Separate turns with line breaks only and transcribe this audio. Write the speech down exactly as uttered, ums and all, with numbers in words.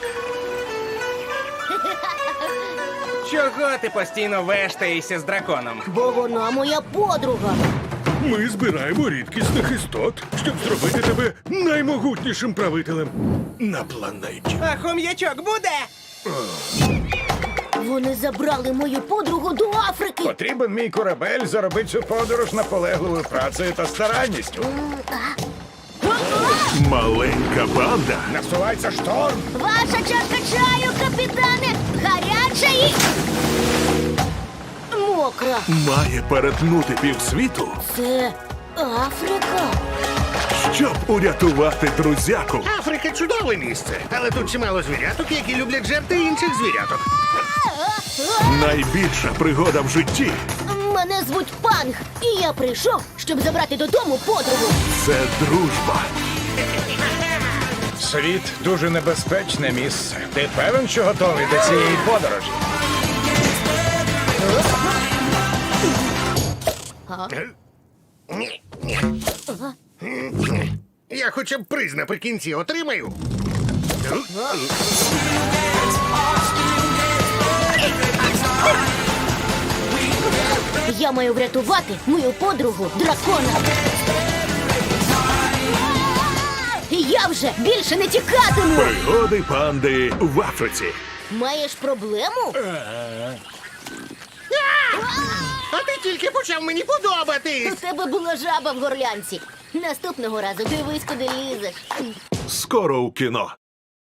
Чого ти постійно вештаєшся з драконом?
Бо вона моя подруга.
Ми збираємо рідкісних істот, щоб зробити тебе наймогутнішим правителем на планеті.
А хом'ячок буде?
Вони забрали мою подругу до Африки.
Потрібен мій корабель заробити цю подорож наполегливою працею та старанністю.
Маленька банда
Насувається шторм.
Ваша чашка чаю, капітане, гаряча і... мокра.
має перетнути півсвіту,
Це Африка.
щоб урятувати друзяку.
Африка чудове місце, але тут чимало звіряток, які люблять жерти інших звіряток.
Найбільша пригода в житті
Мене звуть Панг, і я прийшов, щоб забрати додому подругу.
– це дружба.
Світ дуже небезпечне місце. Ти певен, що готовий до цієї подорожі?
Ні, ні. Я хоча б приз наприкінці отримаю.
Я маю врятувати мою подругу дракона. Я вже більше не тікатиму.
Пригоди панди в Африці.
Маєш проблему?
А ти тільки почав мені подобатись.
У тебе була жаба в горлянці. Наступного разу дивись, куди лізеш.
Скоро у кіно.